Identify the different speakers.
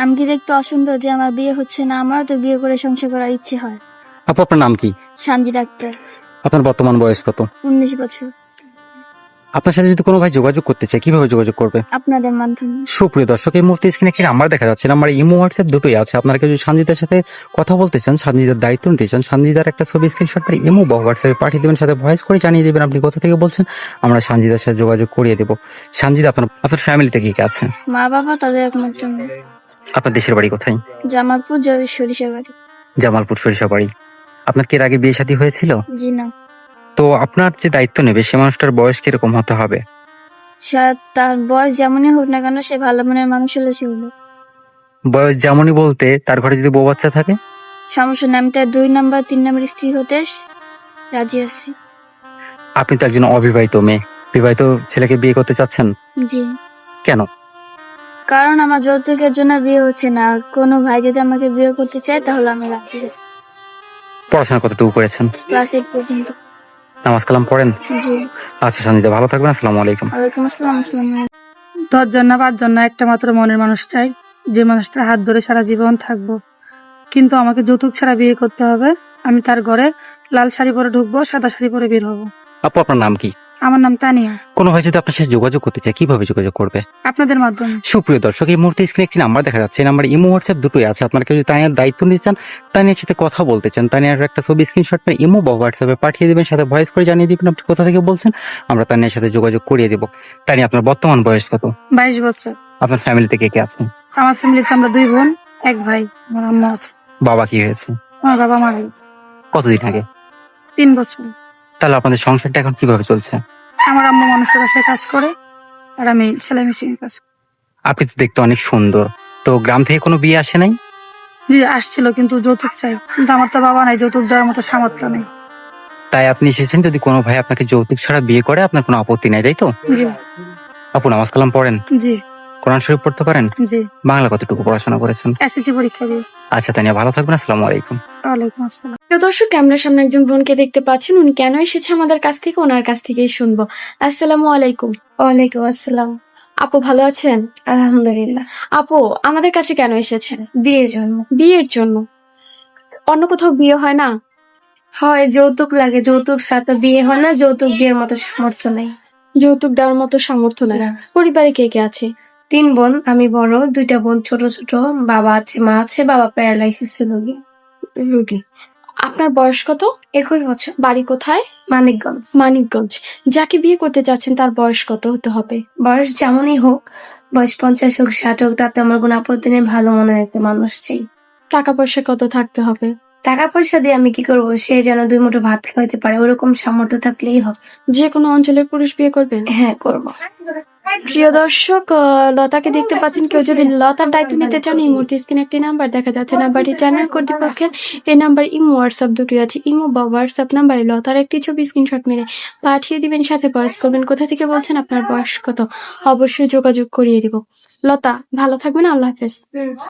Speaker 1: আমি কি দেখতে অসুন্দর যে আমার বিয়ে হচ্ছে না? আমারও তো বিয়ে করে সংসার করার ইচ্ছে হয়।
Speaker 2: আপু, আপনার নাম কি?
Speaker 1: সানজি ডাক্তার।
Speaker 2: আপনার বর্তমান বয়স কত?
Speaker 1: 19 বছর।
Speaker 2: আপনার সাথে যদি কোনো ভাই যোগাযোগ করতে চায় কিভাবে যোগাযোগ করবে?
Speaker 1: আপনাদের মাধ্যমে।
Speaker 2: সুপ্রিয় দর্শক, এই মুহূর্তে স্ক্রিনে একটি নাম্বার দেখা যাচ্ছে। নাম্বার ইমো হোয়াটসঅ্যাপ দুটোই আছে। আপনারা কেউ যদি সানজিদার সাথে কথা বলতে চান, সানজিদার দায়িত্ব নিতে চান, সানজিদার একটা ছবি স্ক্রিনশট করে ইমো বা হোয়াটসঅ্যাপে পাঠিয়ে দেবেন, সাথে ভয়েস করে জানিয়ে দেবেন আপনি কোথা থেকে বলছেন। আমরা সানজিদার সাথে যোগাযোগ করিয়ে দেবো। সানজিদা, আপনার ফ্যামিলিতে কে কে আছে?
Speaker 1: মা বাবা তাদের একমাত্র মেয়ে।
Speaker 2: আপনার দেশের বাড়ি কোথায়?
Speaker 1: জামালপুর সরিষাবাড়ি।
Speaker 2: জামালপুর সরিষাবাড়ি। আপনার কি এর আগে বিয়ে শাদী হয়েছিল?
Speaker 1: জি না।
Speaker 2: তো আপনার যে দায়িত্ব নেবে সে মানুষটার বয়স কিরকম হতে হবে?
Speaker 1: তার বয়স যেমনই হোক না কেন, সে ভালো মনের মানুষ হলে সে হলো।
Speaker 2: বয়স যেমনই বলতে তার ঘরে যদি বউ বাচ্চা থাকে?
Speaker 1: সমস্যা নেই, আমি তার 2 নাম্বার 3 নাম্বার স্ত্রী হতে রাজি আছি।
Speaker 2: আপনি তো একজন অবিবাহিত মেয়ে, বিবাহিত ছেলেকে বিয়ে করতে চাচ্ছেন
Speaker 1: জি।
Speaker 2: কেন?
Speaker 1: কারণ আমার যৌতুকের জন্য বিয়ে হচ্ছে না। কোনো ভাই যদি আমাকে বিয়ে করতে চায় তাহলে আমি রাজি আছি।
Speaker 2: পড়াশোনা কতটুকু করেছেন?
Speaker 1: ক্লাস 8 পর্যন্ত।
Speaker 2: নামাজ কালাম পড়েন?
Speaker 1: জি।
Speaker 2: আচ্ছা সঞ্জিতা, ভালো থাকবেন। আসসালামু আলাইকুম।
Speaker 1: ওয়ালাইকুম আসসালাম। আসসালামু আলাইকুম।
Speaker 3: 10 জন না 5 জন না, একটা মাত্র মনের মানুষ চাই, যে মানুষটার হাত ধরে সারা জীবন থাকবো। কিন্তু আমাকে যৌতুক ছাড়া বিয়ে করতে হবে। আমি তার ঘরে লাল শাড়ি পরে ঢুকবো, সাদা শাড়ি পরে বের হবো।
Speaker 2: আপু, আপনার নাম কি?
Speaker 3: আমার নাম তানিয়া।
Speaker 2: কোনো ভাই যদি আপনার সাথে যোগাযোগ করতে চায় কিভাবে যোগাযোগ করবে?
Speaker 3: আপনাদের মাধ্যমে।
Speaker 2: সুপ্রিয় দর্শক, এই মুহূর্তে স্ক্রিনে একটি নাম্বার দেখা যাচ্ছে। এই নাম্বার ইমো হোয়াটসঅ্যাপ দুটোই আছে। আপনারা কেউ যদি তানিয়ার দায়িত্ব নিতে চান, তানিয়ার সাথে কথা বলতে চান, তানিয়ার একটা ছবি স্ক্রিনশট করে ইমো বা হোয়াটসঅ্যাপে পাঠিয়ে দেবেন, সাথে ভয়েস করে জানিয়ে দিবেন আপনি কোথা থেকে বলছেন। আমরা তানিয়ার সাথে যোগাযোগ করিয়ে দেবো। তানিয়া, আপনার বর্তমান বয়স কত?
Speaker 3: 22 বছর।
Speaker 2: আপনার ফ্যামিলিতে কে কে আছে?
Speaker 3: আমার ফ্যামিলিতে আমরা 2 বোন, 1 ভাই। আমার আম্মা আছে।
Speaker 2: বাবা কি হয়েছে?
Speaker 3: আমার বাবা মারা গেছে
Speaker 2: কতদিন আগে?
Speaker 3: 3 বছর।
Speaker 2: তাহলে আপনাদের সংসারটা এখন কিভাবে চলছে?
Speaker 3: আমার আম্মা মানুষের বাসায় কাজ করে, আর আমি সেলাই মেশিনে কাজ করি।
Speaker 2: আপনি তো দেখতে অনেক সুন্দর। তো গ্রাম থেকে কোনো বিয়ে আসে নাই?
Speaker 3: জি আসছিল, কিন্তু যৌতুক চাই। কিন্তু আমার তো বাবা নাই, যৌতুক দেওয়ার মতো সামর্থ্য নেই।
Speaker 2: তাই আপনি এসেছেন। যদি কোনো ভাই আপনাকে যৌতুক ছাড়া বিয়ে করে আপনার কোনো আপত্তি নাই, তাই তো?
Speaker 3: জি।
Speaker 2: আপু, নামাজ কালাম পড়েন?
Speaker 3: জি।
Speaker 2: কোরআন শরীফ পড়তে পারেন?
Speaker 3: জি।
Speaker 2: বাংলা কতটুকু পড়াশোনা করেছেন?
Speaker 3: এসএসসি পরীক্ষা দিয়েছি।
Speaker 2: আচ্ছা তানিয়া, ভালো থাকবেন। আসসালামু আলাইকুম।
Speaker 3: ওয়ালাইকুম আসসালাম।
Speaker 4: প্রিয় দর্শক, ক্যামেরার সামনে একজন বোনকে দেখতে পাচ্ছেন। উনি কেন এসেছে আমাদের কাছ থেকে, ওনার কাছ থেকেই শুনবো। আসসালামু আলাইকুম।
Speaker 1: ওয়ালাইকুম আসসালাম।
Speaker 4: আপু ভালো আছেন?
Speaker 1: আলহামদুলিল্লাহ।
Speaker 4: আপু আমাদের কাছে কেন এসেছেন?
Speaker 1: বিয়ের জন্য।
Speaker 4: বিয়ের জন্য? অন্য কোথাও বিয়ে হয় না?
Speaker 1: হয়, যৌতুক লাগে। যৌতুক ছাড়া তো বিয়ে হয় না। যৌতুক বিয়ের মতো সামর্থ্য নেই।
Speaker 4: যৌতুক দেওয়ার মতো সামর্থ্য নাই।
Speaker 1: না।
Speaker 4: পরিবারে কে কে আছে?
Speaker 1: 3 বোন, আমি বড়। 2টা বোন ছোট ছোট। বাবা আছে, মা আছে। বাবা প্যারালাইসিস রোগী।
Speaker 4: রোগী। আপনার বয়স কত?
Speaker 1: 21 বছর।
Speaker 4: বাড়ি কোথায়?
Speaker 1: মানিকগঞ্জ।
Speaker 4: মানিকগঞ্জ। যাকে বিয়ে করতে চাচ্ছেন তার বয়স কত হতে হবে?
Speaker 1: বয়স যেমনই হোক, বয়স 50 হোক 60 হোক, তাতে আমার কোনো আপত্তি নেই। ভালো মনের একটা মানুষ চাই।
Speaker 4: টাকা পয়সা কত থাকতে হবে?
Speaker 1: টাকা পয়সা দিয়ে আমি কি করবো? সে যেন 2 মুঠো ভাত খাওয়াতে পারে, ওরকম সামর্থ্য থাকলেই হবে।
Speaker 4: যে কোনো অঞ্চলের পুরুষ বিয়ে করবেন?
Speaker 1: হ্যাঁ, করবো।
Speaker 4: প্রিয় দর্শক, লতাকে দেখতে পাচ্ছেন। কেউ যদি লতার দায়িত্ব নিতে চান, এই মুহূর্তে স্ক্রিনে একটি নাম্বার দেখা যাচ্ছে। নাম্বারটি চ্যানেল কর্তৃপক্ষের। এই নাম্বার ইমো হোয়াটসঅ্যাপ দুটোই আছে। ইমো বা হোয়াটসঅ্যাপ নাম্বারে লতার একটি ছবি স্ক্রিনশট মেরে পাঠিয়ে দিবেন, সাথে ভয়েস করবেন কোথা থেকে বলছেন, আপনার বয়স কত। অবশ্যই যোগাযোগ করিয়ে দিব। লতা ভালো থাকবেন। আল্লাহ হাফেজ।